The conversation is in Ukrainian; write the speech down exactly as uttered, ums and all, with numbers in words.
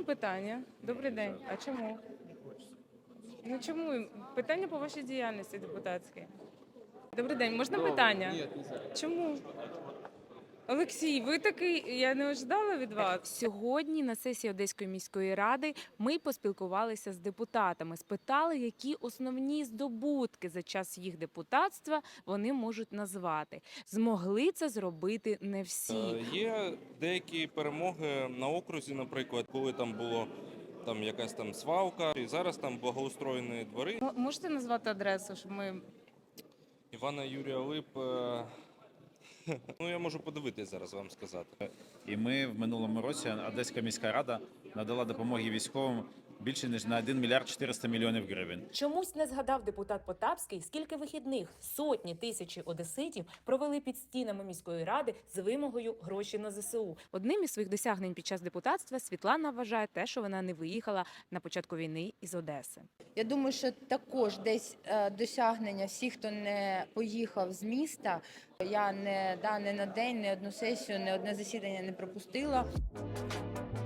питання? Добрий день. А чому? Ну чому? Питання по вашій діяльності депутатській. Добрий день, можна питання? Чому? Олексій, ви такий, я не ожидала від вас. Сьогодні на сесії Одеської міської ради ми поспілкувалися з депутатами, спитали, які основні здобутки за час їх депутатства вони можуть назвати. Змогли це зробити не всі. Е, Є деякі перемоги на окрузі, наприклад, коли там було там якась там свалка, і зараз там благоустроєні двори. М- Можете назвати адресу, щоб ми. Івана Юрія Лип. е, Ну, я можу подивитись зараз вам сказати. І ми в минулому році Одеська міська рада надала допомоги військовим більше ніж на один мільярд чотириста мільйонів гривень. Чомусь не згадав депутат Потапський, скільки вихідних сотні тисячі одеситів провели під стінами міської ради з вимогою гроші на зе се у. Одним із своїх досягнень під час депутатства Світлана вважає те, що вона не виїхала на початку війни із Одеси. Я думаю, що також десь е, досягнення всіх, хто не поїхав з міста. Я не, да, не на день, не одну сесію, не одне засідання не пропустила.